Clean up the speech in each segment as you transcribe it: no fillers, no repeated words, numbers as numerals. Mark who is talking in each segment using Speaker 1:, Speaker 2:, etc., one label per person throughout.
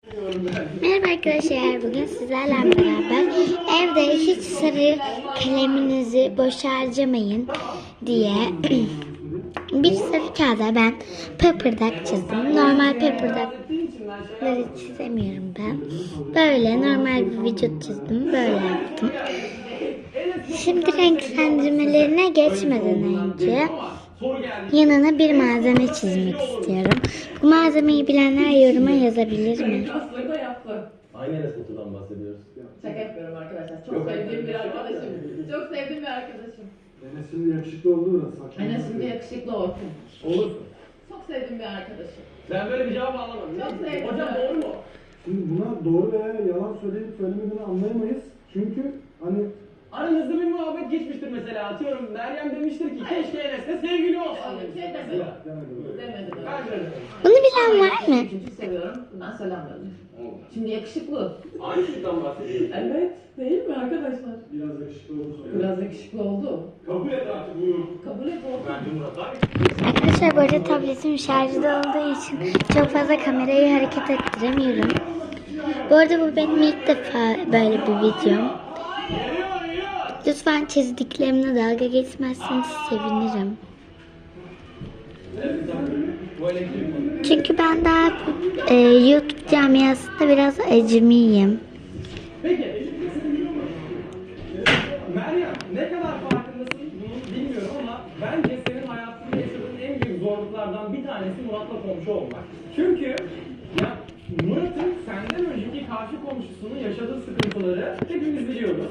Speaker 1: Merhaba arkadaşlar, bugün sizlerle beraber evde hiç sarı kaleminizi boş harcamayın diye bir sarı kağıda ben pepperdak çizdim. Normal peperdakları çizemiyorum ben. Böyle normal bir vücut çizdim, böyle yaptım. Şimdi renklendirmelerine geçmeden önce yanına bir malzeme çizmek istiyorum. Bu malzemeyi bilenler yoruma yazabilir mi?
Speaker 2: Hangi Enes Batur'dan bahsediyoruz?
Speaker 3: Şaka yapıyorum arkadaşlar. Çok sevdiğim bir arkadaşım. Çok sevdiğim bir arkadaşım.
Speaker 4: Enes şimdi yakışıklı oldu biraz.
Speaker 3: Enes şimdi yakışıklı olsun.
Speaker 2: Olur.
Speaker 3: Çok sevdiğim bir arkadaşım.
Speaker 2: Ben böyle bir cevap alamadım.
Speaker 3: Çok sevdim.
Speaker 2: Hocam doğru mu?
Speaker 4: Şimdi buna doğru veya yalan söyleyip söylemediğini anlayamayız. Çünkü hani
Speaker 2: Aranızda bir muhabbet geçmiştir mesela. Atıyorum Meryem demiştir ki keşke Enes'le sevgili olsan
Speaker 3: Öyle bir şey
Speaker 2: demiştir
Speaker 3: demedim.
Speaker 2: mesela.
Speaker 3: Demedim.
Speaker 2: Bence öyle.
Speaker 1: Bunu bilen var mı?
Speaker 3: Çünkü seviyorum. Bundan söylenmiyorum. Şimdi yakışıklı.
Speaker 2: Aynı şeyden bahsediyoruz.
Speaker 3: Evet. Değil mi arkadaşlar?
Speaker 4: biraz yakışıklı oldu.
Speaker 3: Biraz yakışıklı oldu.
Speaker 2: Kabul et artık bunu.
Speaker 3: Kabul et oldu.
Speaker 2: Bence Murat abi.
Speaker 1: Arkadaşlar bu arada tabletim şarjda olduğu için çok fazla kamerayı hareket ettiremiyorum. Bu arada bu benim ilk defa böyle bir videom. Lütfen çizdiklerimle dalga geçmezseniz sevinirim.
Speaker 2: Bu elektrik.
Speaker 1: Çünkü ben daha YouTube camiasında biraz acemiyim.
Speaker 2: Peki. Meryem ne kadar farkındasın bunu bilmiyorum ama bence senin hayatında yaşadığın en büyük zorluklardan bir tanesi Murat'la komşu olmak. Çünkü ya Murat'ın senden önceki karşı komşusunun yaşadığı sıkıntıları hepimiz biliyoruz.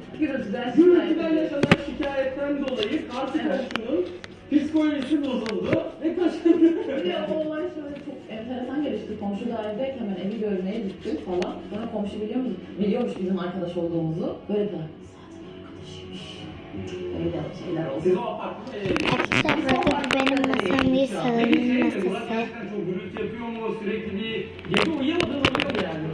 Speaker 2: Gürültüden yaşanan şikayetten dolayı karşı komşunun psikolojisi bozuldu ve taşındı.
Speaker 3: Bir de o olay şöyle çok enteresan gelişti. Komşu dairedeyken ben evi görmeye gittim falan. Sonra komşu biliyormuş bizim arkadaş olduğumuzu. Böyle de zaten arkadaşıymış. Öyle de şeyler oldu.
Speaker 2: Siz o apartmanda
Speaker 1: Arkadaşlar bu arada bu benim masam değil, salonun masası.
Speaker 2: gerçekten çok gürültü yapıyor mu? Sürekli bir gece uyuyamadığın oluyor mu yani?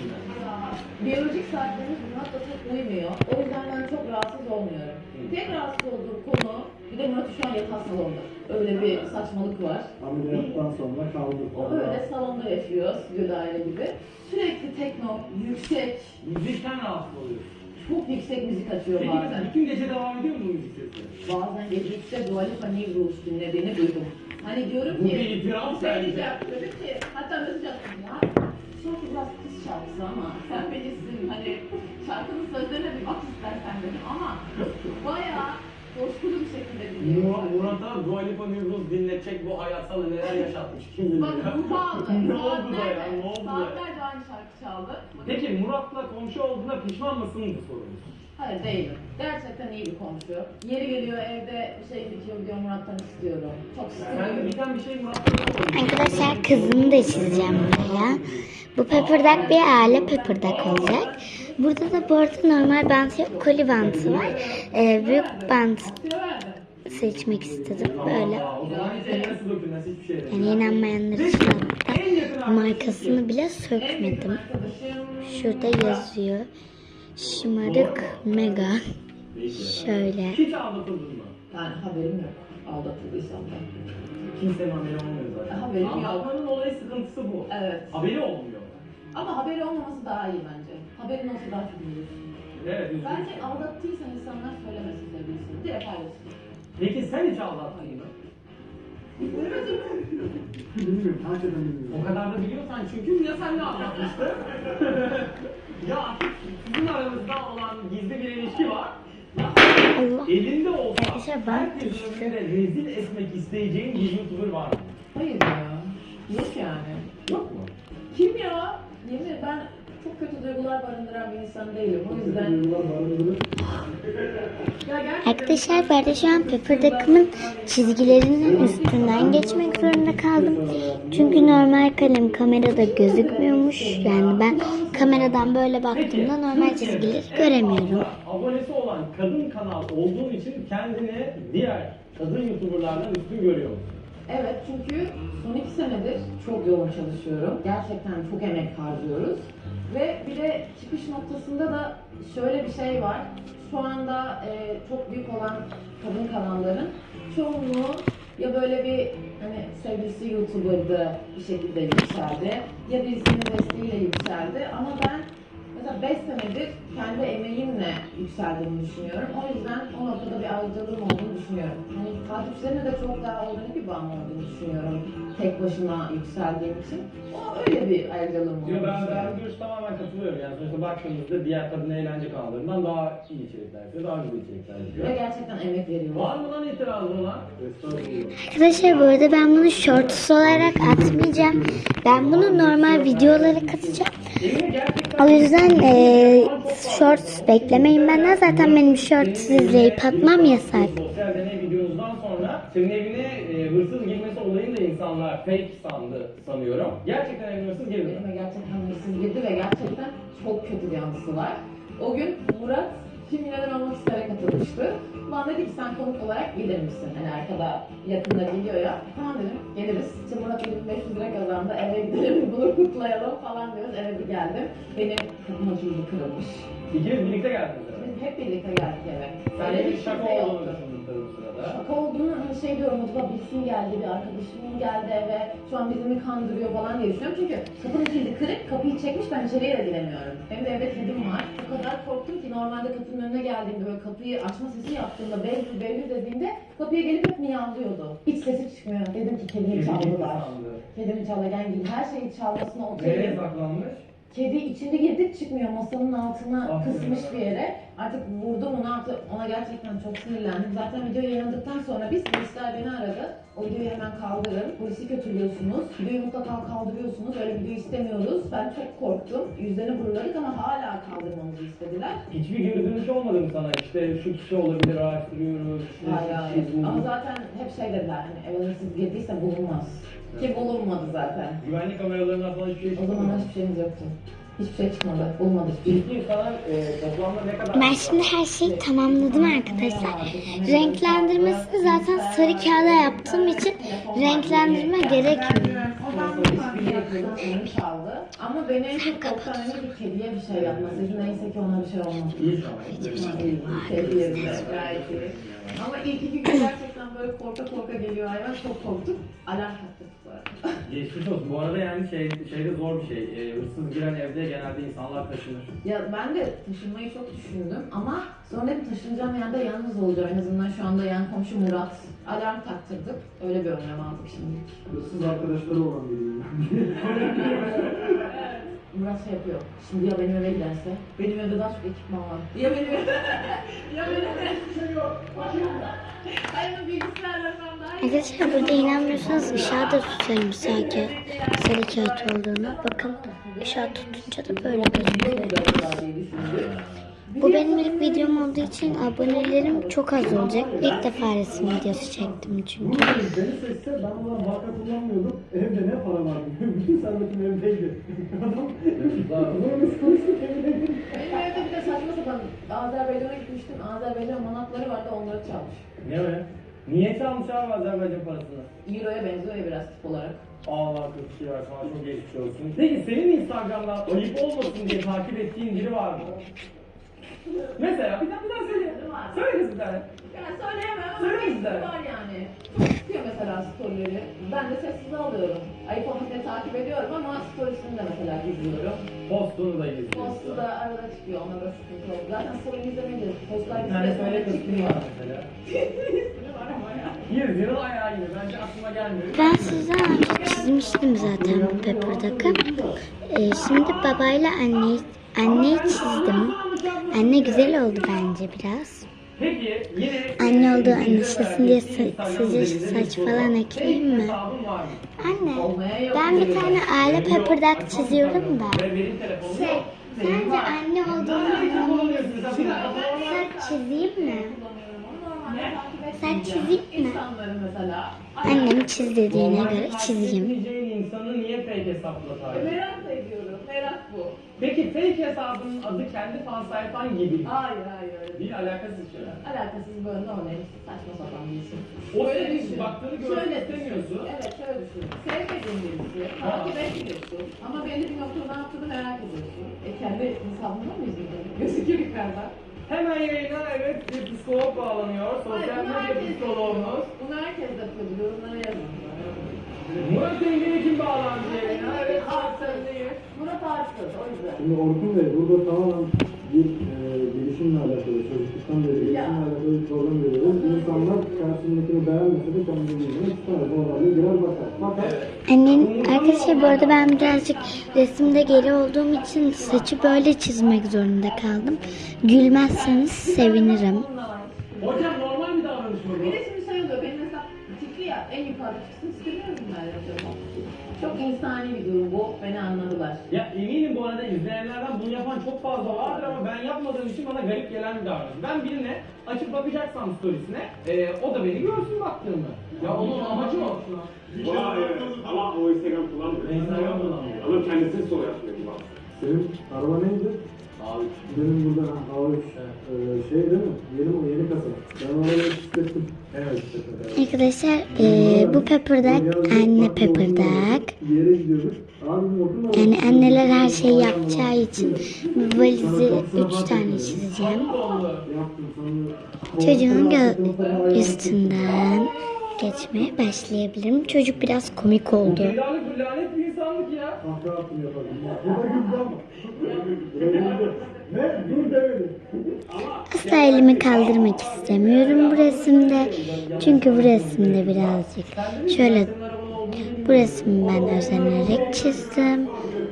Speaker 3: Biyolojik saatlerimiz Murat'la çok uymuyor. O yüzden ben çok rahatsız olmuyorum. Tek rahatsız olduğum konu, bir de Murat şu an yatak salonda. Öyle bir saçmalık var.
Speaker 4: Ameliyattan sonra kaldı.
Speaker 3: O öyle salonda yaşıyor, stüdyo daire gibi. Sürekli tekno, yüksek,
Speaker 2: Müzikten rahatsız oluyorsun.
Speaker 3: çok yüksek müzik açıyor
Speaker 2: Peki
Speaker 3: bazen.
Speaker 2: mesela bütün gece devam ediyor mu bu müzik sesi?
Speaker 3: Bazen gece 3'te Dua Lipa New Rules dinlediğini duydum. Hani diyorum
Speaker 2: Bu
Speaker 3: ki,
Speaker 2: bir itiraf
Speaker 3: şey
Speaker 2: bence.
Speaker 3: diyeceğim, dedim ki, hatta mesaj attım ya. Şarkı biraz kız şarkısı ama sen bilirsin hani şarkının sözlerine bir bak istersen dedim ama bayağı coşkulu bir şekilde dinliyorum.
Speaker 2: Murat'a Dua Lipa New Rules dinletecek bu hayatsal neler yaşatmış kim bilir
Speaker 3: Bak
Speaker 2: ya.
Speaker 3: bu bağlı.
Speaker 2: Ne oldu da ya? Ne oldu da?
Speaker 3: Saatlerce aynı şarkı çaldı.
Speaker 2: Peki Murat'la komşu olduğuna pişman mısın bu sorumuz?
Speaker 3: Hayır değilim. Gerçekten iyi bir komşu. Yeri geliyor evde bir şey bitiyor diyor Murat'tan istiyorum. Çok
Speaker 2: Sen de
Speaker 3: istiyorum.
Speaker 2: biten bir şey Murat'la olmadı.
Speaker 1: Arkadaşlar kızını da çizeceğim buraya. Bu pepperdak bir aile pepperdak olacak. Burada da bu arada normal bant yok, koli bantı var. Büyük bant seçmek istedim böyle.
Speaker 2: O zaman hiç eline su dökülmez hiçbir şey değil.
Speaker 1: Yani inanmayanlar için hatta markasını bile sökmedim. Şurada yazıyor. Şımarık mega. Şöyle.
Speaker 2: Hiç aldatıldın mı?
Speaker 3: Yani haberim yok. Aldatıldıysam da.
Speaker 2: Kimsenin haberi olmuyor zaten.
Speaker 3: Haberim yok.
Speaker 2: Aldatmanın olayı sıkıntısı bu.
Speaker 3: Evet.
Speaker 2: Haberi olmuyor.
Speaker 3: Ama haberi olmaması daha iyi bence. Haberin olsa daha çok iyi.
Speaker 2: Evet, üzücü.
Speaker 3: Bence aldattıysan insanlar söylemesin sevgilisini. Direkt paylaşsın.
Speaker 2: Peki sen hiç aldattın mı?
Speaker 4: Bilmiyorum, hakikaten bilmiyorum.
Speaker 2: O kadar da biliyorsan çünkü ya sen ne anlatmıştı? Ya sizin aranızda olan gizli bir ilişki var. Ya
Speaker 1: Allah.
Speaker 2: elinde olsa
Speaker 1: Arkadaşlar ben
Speaker 2: herkesin
Speaker 1: düştüm.
Speaker 2: önünde rezil etmek isteyeceğin bir YouTuber var mı?
Speaker 3: Hayır ya. Yok yani.
Speaker 2: Yok mu?
Speaker 3: Kim ya? Yemin ederim ben çok kötü duygular barındıran bir insan değilim. O yüzden...
Speaker 4: Duygular barındırır.
Speaker 3: Ya gerçekten...
Speaker 1: Arkadaşlar ben de şu an pepperdak'ımın çizgilerinin üstünden geçmek zorunda kaldım. Çünkü normal kalem kamerada gözükmüyormuş. Yani ben kameradan böyle baktığımda normal çizgileri göremiyorum.
Speaker 2: Abonesi olan kadın kanal olduğun için kendini diğer kadın YouTuber'lardan üstün görüyor musun?
Speaker 3: Evet çünkü son 2 senedir çok yoğun çalışıyorum. Gerçekten çok emek harcıyoruz. Ve bir de çıkış noktasında da şöyle bir şey var. Şu anda çok büyük olan kadın kanalların çoğunluğu ya böyle bir hani sevgilisi YouTuber'dı bir şekilde yükseldi. Ya birisinin desteğiyle yükseldi ama ben mesela 5 senedir kendi emeğimle yükseldiğimi düşünüyorum. O yüzden o noktada bir ayrıcalığım olduğunu düşünüyorum. Hani takipçilerine de çok daha organik bir bağım olduğunu düşünüyorum. Tek başına yükseldiğim için. O öyle bir ayrıcalığım olduğunu
Speaker 2: Diyor, ben
Speaker 3: düşünüyorum.
Speaker 2: görüş tamamen katılıyorum. Yani sonuçta baktığımızda diğer kadın eğlence kanallarından daha iyi içerikler yapıyor, daha güzel içerikler yapıyor.
Speaker 3: Ve gerçekten emek veriyorum.
Speaker 2: Var mı lan itirazı olan?
Speaker 4: Estağfurullah.
Speaker 1: Arkadaşlar bu arada ben bunu shorts olarak atmayacağım. Ben bunu normal videolara katacağım.
Speaker 2: Evine gerçekten...
Speaker 1: O yüzden shorts beklemeyin benden. Zaten benim shorts izleyip atmam yasak.
Speaker 2: Sosyal deney videomuzdan sonra senin evine hırsız girmesi olayını da insanlar fake sanıyorum. Gerçekten evine hırsız girdi.
Speaker 3: Elime gerçekten hırsız girdi ve gerçekten çok kötü bir anısı var. O gün Murat Kim Milyoner Olmak İster'e katılmıştı. Bana dedi ki sen konuk olarak gelir misin? Hani arkada yakında geliyor ya. Tamam dedim geliriz. İşte Murat 1500 lira kazandı eve gidelim bunu kutlayalım falan diyoruz. Eve bir geldim. Benim kapım açıldı kırılmış.
Speaker 2: İkiniz birlikte geldiniz.
Speaker 3: Biz hep birlikte geldik eve.
Speaker 2: Sen
Speaker 3: Öyle
Speaker 2: de bir
Speaker 3: bir
Speaker 2: şaka
Speaker 3: kimse
Speaker 2: olduğunu
Speaker 3: yoktu.
Speaker 2: düşündün tabii bu sırada.
Speaker 3: Şaka olduğunu hani şey diyorum acaba birisi mi geldi, bir arkadaşım mı geldi eve, şu an bizi mi kandırıyor falan diye düşünüyorum. Çünkü kapının kilidi kırık, kapıyı çekmiş, ben içeriye de giremiyorum. Benim de evde kedim var. O kadar korktum ki normalde kapının önüne geldiğimde böyle kapıyı açma sesi yaptığımda Behlül Behlül dediğimde kapıya gelip hep miyavlıyordu. Hiç sesi çıkmıyor. Dedim ki kedimi çaldılar. Kedimi çalarken gibi her şeyi çalmasına
Speaker 2: Nereye
Speaker 3: okeyim.
Speaker 2: saklanmış?
Speaker 3: Kedi içinde girdik çıkmıyor masanın altına
Speaker 2: Ah,
Speaker 3: kısmış
Speaker 2: evet.
Speaker 3: bir yere. Artık vurdum onu artık ona gerçekten çok sinirlendim. Zaten video yayınladıktan sonra biz polisler beni aradı. O videoyu hemen kaldırın. Polisi kötülüyorsunuz. Videoyu mutlaka kaldırıyorsunuz. Öyle video istemiyoruz. Ben çok korktum. Yüzlerini buruladık ama hala kaldırmamızı istediler.
Speaker 2: Hiçbir geri dönüş olmadı mı sana? İşte şu kişi olabilir, araştırıyoruz. şu
Speaker 3: Hayır.
Speaker 2: kişi bu.
Speaker 3: Ama zaten hep şey dediler. Hani eve hırsız girdiyse bulunmaz. Ki bulunmadı zaten.
Speaker 2: Güvenlik kameralarından falan hiçbir şey
Speaker 3: O
Speaker 2: çıkmadı.
Speaker 3: zaman hiçbir şeyimiz yoktu. Hiçbir şey çıkmadı. Bulmadı hiçbir şey.
Speaker 2: Peki sana toplamda ne kadar...
Speaker 1: Ben şimdi her şeyi tamamladım arkadaşlar. Renklendirmesini zaten sarı kağıda yaptığım için renklendirme gerekmiyor.
Speaker 3: Oyun çaldı. Ama beni en çok korkutan bir kediye bir şey yapmasıydı. Neyse ki ona bir şey olmadı.
Speaker 2: İyi şu an.
Speaker 3: Kedi yerinde gayet iyi. Ama ilk 2 gün gerçekten böyle korka korka geliyor hayvan. Çok korktuk. Alarm taktık bu arada.
Speaker 2: Geçmiş olsun. Bu arada yani şeyde zor bir şey. Hırsız giren evde genelde insanlar taşınır.
Speaker 3: Ya ben de taşınmayı çok düşündüm ama sonra dedim taşınacağım yerde yalnız olacağım. En azından şu anda yan komşu Murat. Alarm taktırdık. Öyle bir önlem aldık şimdi.
Speaker 4: Hırsız arkadaşları olan biriyim.
Speaker 3: Murat şey yapıyor. Şimdi ya benim eve giderse? Benim evde daha çok ekipman var. Ya benim evde... ya benim evde şey yok. Hayır bilgisayarla falan daha iyi.
Speaker 1: Arkadaşlar burada inanmıyorsanız ışığa da tutarım sarı kağıt olduğunu. Bakın ışığa tutunca da böyle gözüküyor. Bu benim ilk videom olduğu için abonelerim çok az olacak. İlk defa resim videosu çektim çünkü.
Speaker 4: Beni seçse ben ulan banka kullanmıyordum. Evde ne para var? Bütün servetim evdeydi. Adam bunu biz konuştuk evdeydi.
Speaker 3: Benim evde bir de saçma sapan Azerbaycan'a gitmiştim. Azerbaycan manatları vardı onları çalmış.
Speaker 2: Ne öyle? Niye çalmış abi Azerbaycan parasını?
Speaker 3: Euro'ya benziyor ya biraz tip olarak.
Speaker 2: Allah kötü şey var, sana çok geçmiş olsun. Peki senin Instagram'dan ayıp olmasın diye takip ettiğin biri var mı? Mesela bir daha söyle. Söyle kız bir tane.
Speaker 3: Yani söyleyemem ama
Speaker 2: Söyle
Speaker 3: bir
Speaker 2: bize.
Speaker 3: var yani. Çok tutuyor mesela storyleri. Ben de sessize alıyorum. Ayıp olmasın diye takip ediyorum ama storiesini de mesela gizliyorum.
Speaker 2: Postunu da izliyorsun.
Speaker 3: Postu da arada çıkıyor, ona da sıkıntı oldu. Zaten story'ini izlemeyince postlar
Speaker 2: Bir tane söyle kız kim
Speaker 3: çıkmıyor.
Speaker 2: var mesela?
Speaker 3: var ama ya.
Speaker 2: Yüzyılın ayağı gibi. Bence aklıma gelmiyor.
Speaker 1: Ben size önce çizmiştim zaten bu Pepper'daki. Şimdi babayla anneyi çizdim. Anne güzel oldu bence biraz.
Speaker 2: Peki yine...
Speaker 1: Anne olduğu anlaşılsın diye sıcak saç falan ekleyeyim mi?
Speaker 2: Hesabın var mı?
Speaker 1: Anne,
Speaker 3: Olmaya yok.
Speaker 1: ben bir tane aile Pepper'dak çiziyorum da.
Speaker 2: Ve benim telefonum
Speaker 1: Şey,
Speaker 2: yok.
Speaker 1: sence anne olduğunu saç çizeyim mi? Sen çizeyim mi?
Speaker 3: İnsanları mesela.
Speaker 1: Annem çiz dediğine göre çizeyim.
Speaker 2: Çizeceğin insanı niye fake hesapla takip?
Speaker 3: Merak da ediyorum. Merak bu.
Speaker 2: Peki fake hesabının adı kendi fan sayfan gibi.
Speaker 3: Hayır öyle değil.
Speaker 2: Bir alakasız şeyler.
Speaker 3: Alakasız böyle normal saçma sapan bir isim.
Speaker 2: O
Speaker 3: Böyle
Speaker 2: senin
Speaker 3: düşün.
Speaker 2: baktığını görmek
Speaker 3: Şöyle
Speaker 2: istemiyorsun.
Speaker 3: düşün. Evet şöyle düşün. Sevmediğin birisi. Takip etmiyorsun. Ama belli bir noktada ne yaptığını merak ediyorsun. Kendi hesabında mı izliyorsun? Gözüküyor yukarıda.
Speaker 2: Hemen yayına evet bir psikolog bağlanıyor. Sosyal medya psikoloğumuz.
Speaker 3: Bunu herkes yapıyordu. Yorumlara yazın.
Speaker 2: Murat Engin'e kim bağlandı yayına? Evet, sendeyiz.
Speaker 3: Murat Arsız o yüzden.
Speaker 4: Şimdi Orkun Bey burada tamamen bir gelişimle alakalı, çocukluktan beri gelişimle alakalı bir program veriyoruz. İnsanlar karşısındakini beğenmese de kendini istemez. Bu olayı birer bakar. Fakat
Speaker 1: Annem, arkadaşlar bu arada ben birazcık resimde geri olduğum için saçı böyle çizmek zorunda kaldım. Gülmezseniz sevinirim.
Speaker 2: Hocam normal bir davranış mı bu?
Speaker 3: Bir de şimdi şey oluyor, benim mesela tikli ya, en yukarıda çıksın istemiyorum ben acaba. Çok insani bir durum bu, beni anladılar.
Speaker 2: Ya eminim bu arada izleyenlerden bunu yapan çok fazla vardır ama ben yapmadığım için bana garip gelen bir davranış. Ben birine açıp bakacaksam storiesine, o da beni görsün baktığımı. Ya onun amacı o.
Speaker 5: Vay evet. Ama o Instagram kullanmıyor.
Speaker 2: Instagram kullanmıyor.
Speaker 5: Ama kendisini soru yapmıyor kullanmıyor.
Speaker 4: senin araba neydi?
Speaker 5: Abi.
Speaker 4: Benim burada A3 şey değil mi? Yeni kasa. Ben oraya hissettim. Evet.
Speaker 1: Arkadaşlar bu Pepper'dak anne Pepper'dak.
Speaker 4: Bir yere gidiyorduk. Abi Orkun da
Speaker 1: Yani anneler her şeyi yapacağı için bu valizi 3 tane çizeceğim.
Speaker 4: yaptım sonra.
Speaker 1: Çocuğun üstünden geçmeye başlayabilirim. Çocuk biraz komik oldu.
Speaker 2: Dünyalık bir lanet bir insanlık ya.
Speaker 4: Kahve attım yapalım. Burada güldü ama. Ne? Dur demedi.
Speaker 1: Asla elimi kaldırmak istemiyorum bu resimde. Çünkü bu resimde birazcık şöyle bu resmi ben özenerek çizdim.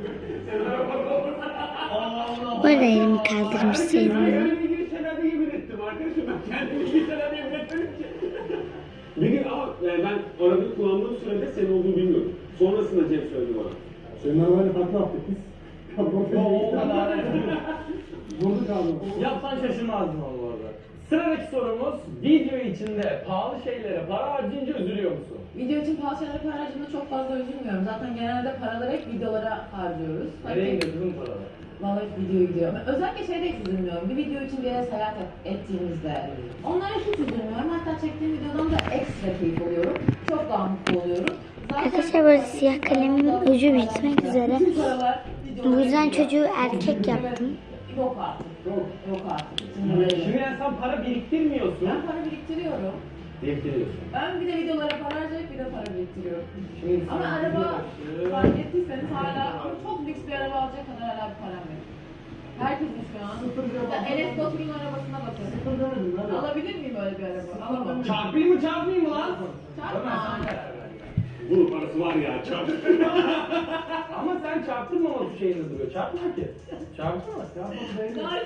Speaker 1: Bu arada elimi kaldırmış sayılmıyorum.
Speaker 5: Ben bilgisayarda yemin ettim arkadaşım. Ben kendimi bilgisayarda yemin etmedim ki. Bir gün ama yani ben arabayı kullandığım sürede senin olduğunu bilmiyorum. Sonrasında Cem söyledi bana.
Speaker 4: Senin arabayla takla attık biz.
Speaker 2: O kadar.
Speaker 4: Vurduk abi.
Speaker 2: Yapsan şaşırmazdın onu bu arada. Sıradaki sorumuz, video içinde pahalı şeylere para harcayınca üzülüyor musun?
Speaker 3: Video için pahalı şeylere para harcadığımda çok fazla üzülmüyorum. Zaten genelde paraları hep videolara harcıyoruz.
Speaker 2: Nereye gidiyor kızım paralar?
Speaker 3: Vallahi video gidiyor. Özellikle şeyde hiç üzülmüyorum. Bir video için bir yere seyahat ettiğimizde. Onlara hiç üzülmüyorum. Hatta çektiğim videodan da ekstra keyif alıyorum. Çok daha mutlu oluyorum.
Speaker 1: Arkadaşlar böyle siyah kalemin ucu bitmek üzere.
Speaker 3: Bütün paralar
Speaker 1: Bu yüzden çocuğu erkek yaptım.
Speaker 3: Yok artık. Yok artık.
Speaker 2: Şimdi yani sen para biriktirmiyorsun.
Speaker 3: Ben para biriktiriyorum.
Speaker 2: Biriktiriyorsun.
Speaker 3: Ben bir de videolara para harcayıp bir de para biriktiriyorum.
Speaker 2: Şimdi
Speaker 3: Ama
Speaker 2: sen
Speaker 3: araba
Speaker 2: video
Speaker 3: fark ettiyseniz hala çok lüks bir araba alacak kadar hala bir param yok. Herkesin şu an. Ya Enes Batur'un arabasına bakın. Alabilir miyim öyle bir araba? Alamam.
Speaker 2: Çarpayım mı lan?
Speaker 3: Çarpma.
Speaker 2: Ömer sen karar ver.
Speaker 5: Bunun parası var ya çarp.
Speaker 2: Ama sen çarptırmamak şeyini duruyor. Çarpma ki. Çarptırma.
Speaker 3: Gayet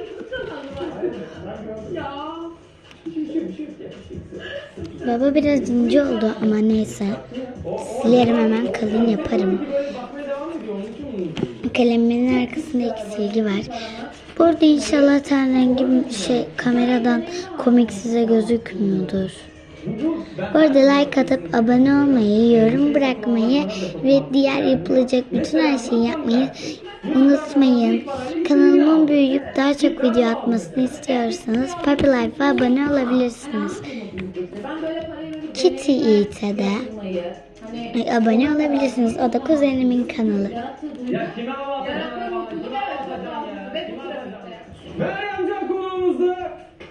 Speaker 3: ya.
Speaker 2: Bir şey yok ya.
Speaker 1: Baba biraz ince oldu ama neyse. Silerim hemen kalın yaparım.
Speaker 2: Böyle bakmaya devam ediyor. Onun için bunu
Speaker 1: Kalemimin arkasında iki silgi var. Bu arada inşallah ten rengi kameradan komik size gözükmüyordur. Bu arada like atıp abone olmayı, yorum bırakmayı ve diğer yapılacak bütün her şeyi yapmayı unutmayın. Kanalımın büyüyüp daha çok video atmasını istiyorsanız Puppy Life'a abone olabilirsiniz.
Speaker 3: Ben böyle parayı verip
Speaker 1: Kitty Eat'e de
Speaker 3: hani
Speaker 1: abone olabilirsiniz. O da kuzenimin kanalı.
Speaker 3: yarattığı
Speaker 2: Ya kime hava atacaksın?
Speaker 3: yarattığı mutluluğu
Speaker 2: Kime hava
Speaker 3: yaratmak
Speaker 2: atacaksın
Speaker 3: lazım.
Speaker 2: ya?
Speaker 3: Ve
Speaker 2: Kime
Speaker 3: bu
Speaker 2: hava
Speaker 3: trafikte.
Speaker 2: atacaksın? Meryem Can konuğumuzda.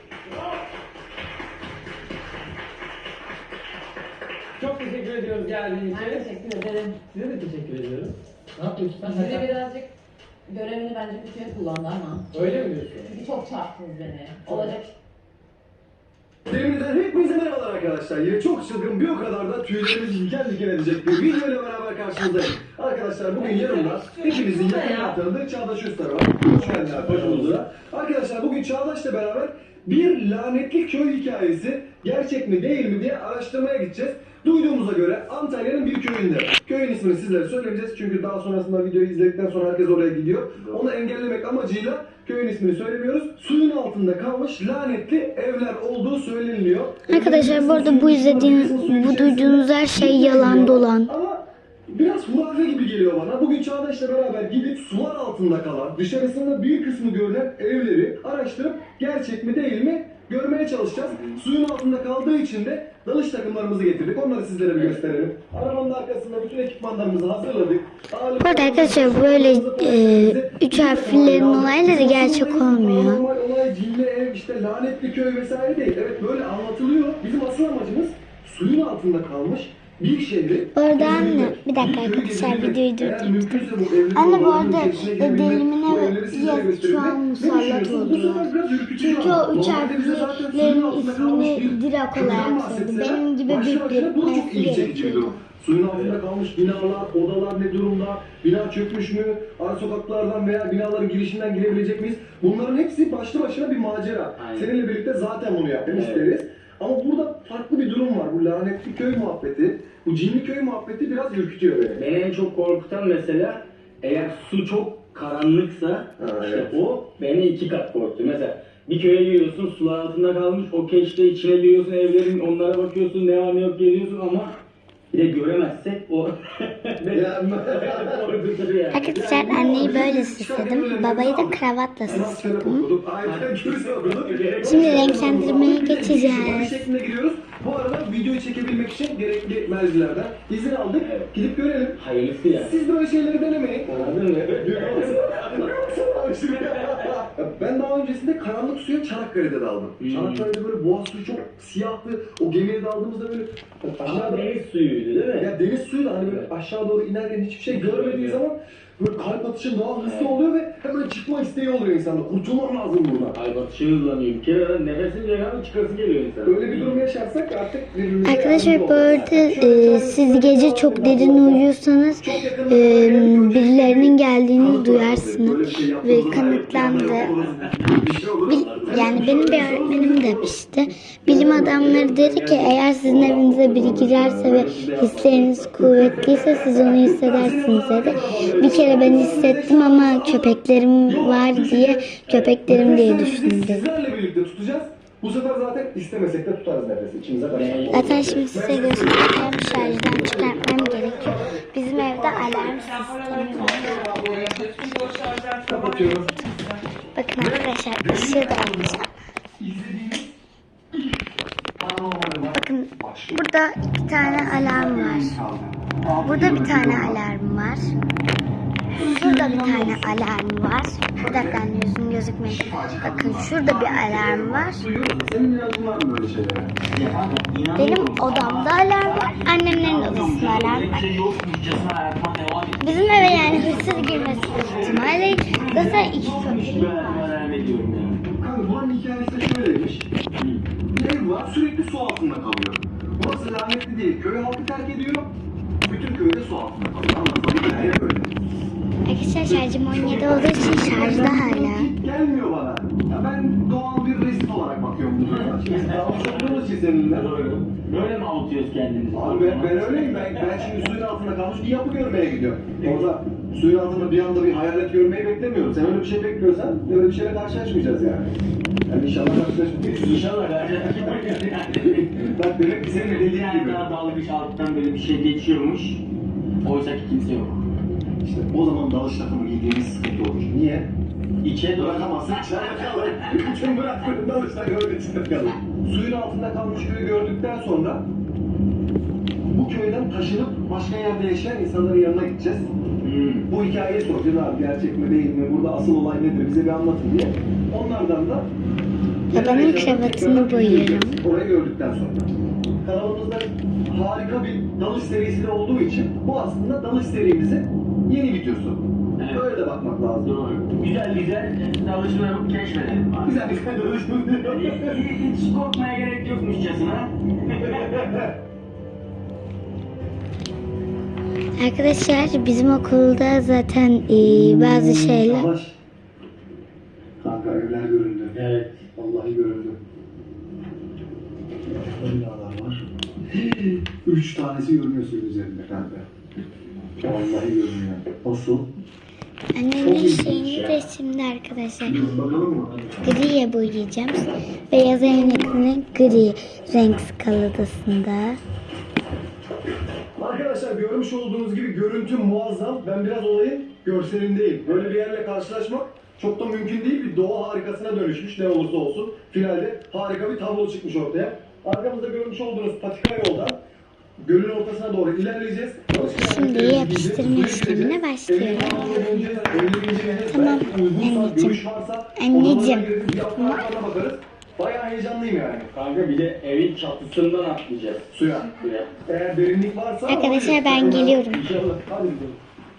Speaker 2: Çok teşekkür ediyoruz geldiğiniz
Speaker 3: Ben
Speaker 2: için.
Speaker 3: teşekkür ederim.
Speaker 2: Size de teşekkür ediyoruz. Ne yapıyorsun sen?
Speaker 3: Size birazcık görevini bence kötüye kullandı ama.
Speaker 2: Öyle mi diyorsun?
Speaker 3: Çünkü çok çarptınız beni. Olacak.
Speaker 6: Terimizden hepinize merhabalar arkadaşlar. Yine çok çılgın bir o kadar da tüylerimizi diken diken edecek bir video ile beraber karşınızdayım. Arkadaşlar bugün yanımda hepinizin yakından tanıdığı Çağdaş Üster var. Hoş geldinler başımıza. Arkadaşlar bugün Çağdaş'la beraber bir lanetli köy hikayesi gerçek mi değil mi diye araştırmaya gideceğiz. Duyduğumuza göre Antalya'nın bir köyünde. Köyün ismini sizlere söylemeyeceğiz çünkü daha sonrasında videoyu izledikten sonra herkes oraya gidiyor. Onu engellemek amacıyla köyün ismini söylemiyoruz. Suyun altında kalmış lanetli evler olduğu söyleniliyor.
Speaker 1: Arkadaşlar bu arada bu duyduğunuz her şey yalan dolan.
Speaker 6: Ama biraz hurafe gibi geliyor bana. Bugün Çağdaş'la beraber gidip sular altında kalan, dışarısında bir kısmı görünen evleri araştırıp gerçek mi değil mi görmeye çalışacağız. Suyun altında kaldığı için de dalış takımlarımızı getirdik. Onları sizlere bir gösterelim. Arabanın arkasında bütün ekipmanlarımızı hazırladık.
Speaker 1: Bu arada arkadaşlar böyle 3 harflerin olayları gerçek olmuyor.
Speaker 6: Normal olay cinli ev, işte lanetli köy vesaire değil. Evet böyle anlatılıyor. Bizim asıl amacımız suyun altında kalmış bir şehri...
Speaker 1: Orada anne, bir dakika arkadaşlar, videoyu durdurayım. Anne bu arada delimine yaz şu an musallat oluyor. Çünkü o üç harflerin ismini direkt olarak söyledi. Benim gibi büyük gerekiyordu.
Speaker 6: Suyun altında kalmış binalar, odalar ne durumda, bina çökmüş mü, ara sokaklardan veya binaların girişinden girebilecek miyiz? Bunların hepsi başlı başına bir macera.
Speaker 5: Aynen.
Speaker 6: Seninle birlikte zaten bunu yapmak isteriz. Ama burada farklı bir durum var. Bu lanetli köy muhabbeti, bu cinli köy muhabbeti biraz ürkütüyor beni.
Speaker 5: Beni en çok korkutan mesela eğer su çok karanlıksa işte
Speaker 6: evet.
Speaker 5: o beni 2 kat korktu. Mesela bir köye giriyorsun, sular altında kalmış, o keşte içine giriyorsun, evlerin onlara bakıyorsun, ne var ne yok geliyorsun ama bir de göremezsek o korkutur yani.
Speaker 1: Arkadaşlar anneyi böyle süsledim. Babayı da kravatla süsledim. Şimdi renklendirmeye
Speaker 6: Bir
Speaker 1: geçeceğiz.
Speaker 6: şeklinde giriyoruz. Bu arada videoyu çekebilmek için gerekli mercilerden izin aldık.
Speaker 5: Evet.
Speaker 6: Gidip görelim.
Speaker 5: Hayırlısı yani.
Speaker 6: Siz böyle şeyleri denemeyin.
Speaker 5: Anladın mı?
Speaker 6: Ben daha öncesinde karanlık suya Çanakkale'de daldım. Çanakkale'de böyle boğaz suyu çok siyahtı. O gemiye daldığımızda böyle
Speaker 5: Ama deniz suyuydu değil mi?
Speaker 6: ya deniz suyu da hani böyle aşağı doğru inerken hiçbir şey görmediği zaman böyle kalp atışın daha hızlı oluyor ve hemen çıkma isteği oluyor insanda. Kurtulmam lazım buradan.
Speaker 5: Ay batışı hızlanıyor. Bir kere nefesin yakanı çıkası geliyor insan.
Speaker 6: Öyle bir durum yaşarsak artık birbirimize
Speaker 1: Arkadaşlar
Speaker 6: yardımcı
Speaker 1: bu arada siz gece çok derin uyuyorsanız birilerinin geldiğini duyarsınız ve kanıtlandı. Yani benim bir öğretmenim demişti. Bilim adamları dedi ki eğer sizin evinize biri girerse ve hisleriniz kuvvetliyse siz onu hissedersiniz dedi. Bir kere ben hissettim ama köpeklerim var diye köpeklerim diye düşündüm.
Speaker 6: Sizlerle birlikte tutacağız. Bu sefer zaten istemesek de tutarız nefesi. İçimize kaçar.
Speaker 1: Zaten şimdi size göstereceğim, şarjdan çıkartmam gerekiyor. Bizim evde alarm sistemi var.
Speaker 6: Kapatıyorum.
Speaker 1: Bakın arkadaşlar ışığı da alacağım. Bakın burada 2 tane alarm var. Burada bir tane alarm var. Şurada bir tane alarm var. Bir dakika anne yüzüm gözükmedi. Bakın şurada bir alarm var.
Speaker 6: Senin inancın var mı böyle şeylere?
Speaker 1: Benim odamda alarm var. Annemlerin odasında alarm var. Bizim eve yani hırsız girmesi ihtimali zaten 2 köpek var.
Speaker 6: Kanka buranın hikayesi de şöyleymiş. Bir ev var sürekli su altında kalıyor. Burası lanetli değil. Köy halkı terk ediyor. Bütün köyde su altında kalıyor. Anladın mı? Hep öyle.
Speaker 1: Arkadaşlar şarjım 17 olduğu için şarjda hala.
Speaker 6: Gelmiyor bana. Ya ben doğal bir risk olarak bakıyorum buna. Şimdi dalmış olduğumuz için seninle.
Speaker 5: Böyle mi avutuyoruz kendimizi?
Speaker 6: Abi ben öyleyim. Ben şimdi suyun altında kalmış bir yapı görmeye gidiyorum. Orada suyun altında bir anda bir hayalet görmeyi beklemiyorum. Sen öyle bir şey bekliyorsan öyle bir şeyle karşılaşmayacağız yani. Yani inşallah karşılaşmayacağız.
Speaker 5: İnşallah kardeşim.
Speaker 6: Bak demek ki senin dediğin
Speaker 5: Yani
Speaker 6: gibi.
Speaker 5: daha dalgıç alttan böyle bir şey geçiyormuş. Oysa ki kimse yok.
Speaker 6: İşte o zaman dalış takımı giydiğimiz sıkıntı olur. Niye?
Speaker 5: İçe doğru.
Speaker 6: Bırakamazsın, içeride kalır. Bütün bıraktığın dalış takımı içinde kalır. Suyun altında kalmış köyü gördükten sonra bu köyden taşınıp başka yerde yaşayan insanların yanına gideceğiz. Bu hikayeyi soracağız abi, gerçek mi değil mi, burada asıl olay nedir, bize bir anlatın diye. Onlardan da
Speaker 1: Babanın kravatını boyuyorum.
Speaker 6: orayı gördükten sonra. Kanalımızda harika bir dalış serisi de olduğu için bu aslında dalış serimizin yeni videosu.
Speaker 5: Evet.
Speaker 6: Böyle de bakmak lazım.
Speaker 5: Doğru. Güzel dalışma yapıp keşfedelim.
Speaker 6: Güzel bir dalış.
Speaker 5: Hiç korkmaya gerek yokmuşçasına.
Speaker 1: Arkadaşlar bizim okulda zaten bazı şeyler...
Speaker 6: Savaş. Kanka evler göründü.
Speaker 5: Evet.
Speaker 6: Vallahi göründü. Binalar var. 3 tanesi görünüyor suyun üzerinde kanka. Vallahi görünüyor. Nasıl?
Speaker 1: Annemin şeyini de şimdi arkadaşlar
Speaker 6: Bakalım mı?
Speaker 1: griye boyayacağım. Beyaz renkli gri renk skaladasında.
Speaker 6: Arkadaşlar görmüş olduğunuz gibi görüntü muazzam. Ben biraz olayın görselindeyim. Böyle bir yerle karşılaşmak çok da mümkün değil. Bir doğa harikasına dönüşmüş ne olursa olsun. Finalde harika bir tablo çıkmış ortaya. Arkamızda görmüş olduğunuz patika yoldan gölün ortasına doğru ilerleyeceğiz.
Speaker 1: Şimdi yapıştırma işlemine başlıyorum. Tamam anneciğim. Anneciğim.
Speaker 6: Bayağı heyecanlıyım yani.
Speaker 5: Kanka bir de evin çatısından atlayacağız.
Speaker 6: Suya. Eğer derinlik varsa...
Speaker 1: Arkadaşlar ben geliyorum.
Speaker 6: İnşallah. Hadi gidelim.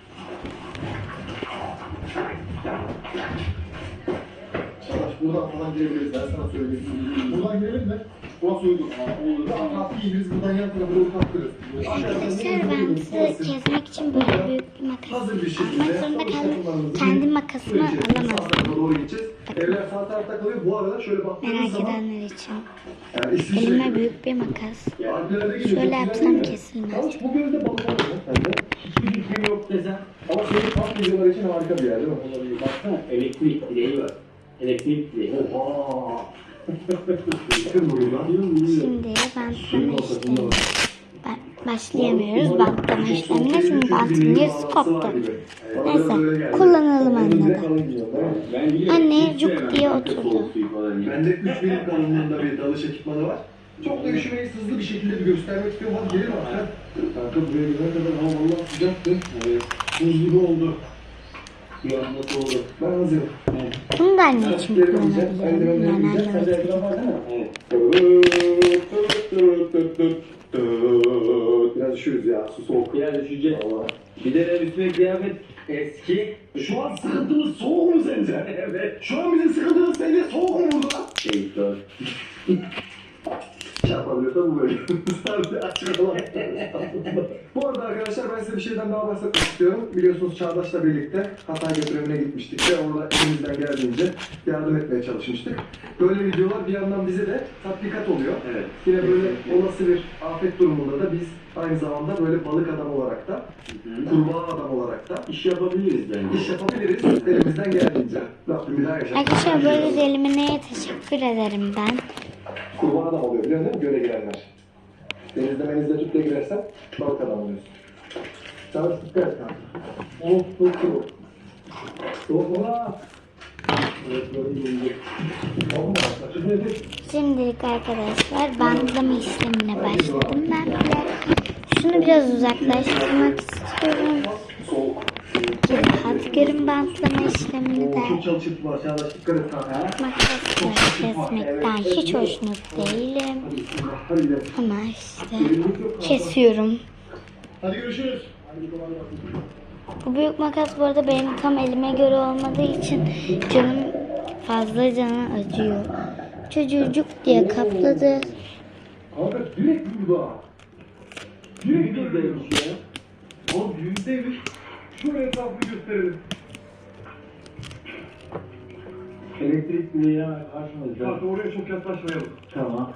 Speaker 6: Arkadaş buradan falan girebiliriz. Ben sana söyleyeyim. Buradan girelim mi? Burası uygun. Olur. Atrafı giyiniz. Buradan yan tarafa doğru kaptırırız.
Speaker 1: Arkadaşlar ben size kesmek için böyle büyük bir makas
Speaker 6: Hazır bir
Speaker 1: almak
Speaker 6: şekilde.
Speaker 1: zorunda kaldım. Kendi makasımı alamazdım.
Speaker 6: Sağ tarafa doğru gideceğiz. Evler sağ tarafta kalıyor. Bu arada şöyle baktığınız
Speaker 1: Merak
Speaker 6: zaman...
Speaker 1: edenler için.
Speaker 6: Yani İsviçre
Speaker 1: Elime
Speaker 6: gibi.
Speaker 1: büyük bir makas.
Speaker 6: Alplere gidiyor,
Speaker 1: Şöyle
Speaker 6: çok
Speaker 1: yapsam
Speaker 6: güzel değil mi?
Speaker 1: kesilmez.
Speaker 6: Yalnız bu gölde balık var mı sende?
Speaker 5: Hiçbir fikrim yok desem.
Speaker 6: Ama senin kamp videoları için harika bir yer değil mi?
Speaker 5: Olabilir. Baksana elektrik direği var. Elektrik direği.
Speaker 6: Oha! Yakın burayı lan.
Speaker 1: Şimdi
Speaker 6: Suyun
Speaker 1: bantlama
Speaker 6: ortasında
Speaker 1: işlemi.
Speaker 6: var.
Speaker 1: Başlayamıyoruz bantlama işlemine çünkü bantın yarısı koptu. Neyse kullanalım anladı.
Speaker 5: Ben biliyorum.
Speaker 1: Anne
Speaker 5: hiç
Speaker 1: cuk
Speaker 5: sevmem
Speaker 1: diye
Speaker 5: kanka
Speaker 1: oturdu.
Speaker 5: soğuk suyu falan ya.
Speaker 6: Bende 3 milim kalınlığında bir dalış ekipmanı var. Çok da üşümeyi hızlı bir şekilde bir göstermek istiyorum. Hadi gelin artık. Kanka buraya gelene kadar hava vallahi sıcaktı.
Speaker 5: Evet.
Speaker 6: Buz gibi oldu.
Speaker 5: Bir anda soğudu.
Speaker 6: Ben hazırım.
Speaker 1: Bunu da anne için kullanabilirim. Yani annem için.
Speaker 5: Ekran var değil mi? Evet.
Speaker 6: Biraz üşüyoruz ya. Su soğuk.
Speaker 5: Biraz düşeceğiz.
Speaker 6: Vallahi.
Speaker 5: Bir de üstüne kıyafet eski.
Speaker 6: Şu an sıkıntımız soğuk mu sence?
Speaker 5: Evet.
Speaker 6: Şu an bizim sıkıntımız sence soğuk mu burada?
Speaker 5: Şey dur.
Speaker 6: Çarpabiliyorsa bu böyle. Sadece açık olan. Bu arada arkadaşlar ben size bir şeyden daha bahsetmek istiyorum. Biliyorsunuz Çağdaş'la birlikte Hatay götürümüne gitmiştik ve orada elimizden geldiğince yardım etmeye çalışmıştık. Böyle videolar bir yandan bize de tatbikat oluyor.
Speaker 5: Evet.
Speaker 6: Yine böyle olası bir afet durumunda da biz aynı zamanda böyle balık adam olarak da, kurbağa adam olarak da
Speaker 5: İş yapabiliriz bence.
Speaker 6: iş yapabiliriz elimizden geldiğince. Rabbim bir daha yaşatmasın.
Speaker 1: Arkadaşlar böyle delimineye teşekkür ederim ben.
Speaker 6: Kurban adam oluyor biliyor musun? Göle girenler. Denizde menizde tüple girersen balık adam oluyorsun. Çağdaş dikkat et kanka. Soğuk. Soğuk ola. Evet böyle iyi. Olma.
Speaker 1: Şimdilik arkadaşlar bantlama işlemine başladım ben bile. Şunu biraz uzaklaştırmak istiyorum.
Speaker 6: Soğuk.
Speaker 1: Ki rahat görün bantlama işlemini de.
Speaker 6: Çok çalışıp var. Çağdaş dikkat et kanka.
Speaker 1: Makasla kesmekten hiç hoşnut değilim.
Speaker 6: Hadi gidelim.
Speaker 1: Ama işte kesiyorum.
Speaker 6: Hadi görüşürüz.
Speaker 1: Bu büyük makas bu arada benim tam elime göre olmadığı için canım fazla canı acıyor. Çocucuk diye kapladı.
Speaker 6: Kanka direkt burada. Direkt buradaymış ya. Oğlum yüzdeymiş. Şuraya etrafını gösterelim.
Speaker 5: Elektrik direği karşımızda.
Speaker 6: Kanka oraya çok yaklaşmayalım.
Speaker 5: Tamam.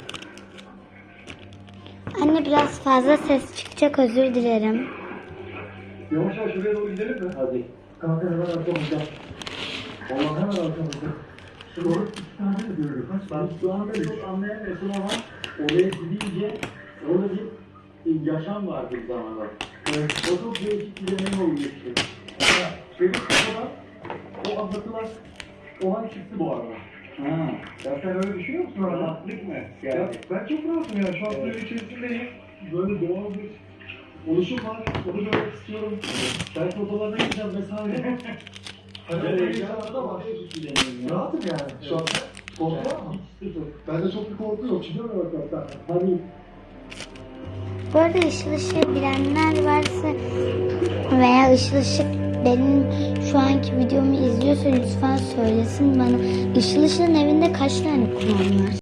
Speaker 1: Anne biraz fazla ses çıkacak, özür dilerim.
Speaker 6: Yavaş yavaş şuraya doğru gidelim mi?
Speaker 5: Hadi.
Speaker 6: Kanka hemen arkamızda. Vallahi hemen arkamızda. Doğru iki tane mi görüyoruz?
Speaker 5: Ben şu anda çok anlayamıyorsun ama oraya gidince orada bir yaşam vardı bir zamanlar. O çok değişik bir deneyim oldu işte.
Speaker 6: Benim kafadan o anlatılan olan çıktı bu arada.
Speaker 5: Ha.
Speaker 6: Ya sen öyle düşünüyor musun arada?
Speaker 5: Rahatlık mı?
Speaker 6: Ya
Speaker 5: Yani.
Speaker 6: ben çok rahatım ya. Şu an suyun içerisindeyim. Böyle doğal bir oluşum var. Onu görmek istiyorum. Belki odalarına gideceğim vesaire. Hani
Speaker 5: Evet,
Speaker 6: öyle insanlar da var.
Speaker 5: Bir deneyim ya.
Speaker 6: Rahatım yani. Şu an korku var mı?
Speaker 5: Hiç sıfır.
Speaker 6: Bende çok bir korku yok. Şimdi mi bak
Speaker 5: Hadi.
Speaker 1: Bu arada ışıl ışığı bilenler varsa veya ışıl ışık benim şu anki videomu izliyorsa lütfen söylesin bana. Işıl ışığın evinde kaç tane kulağım var?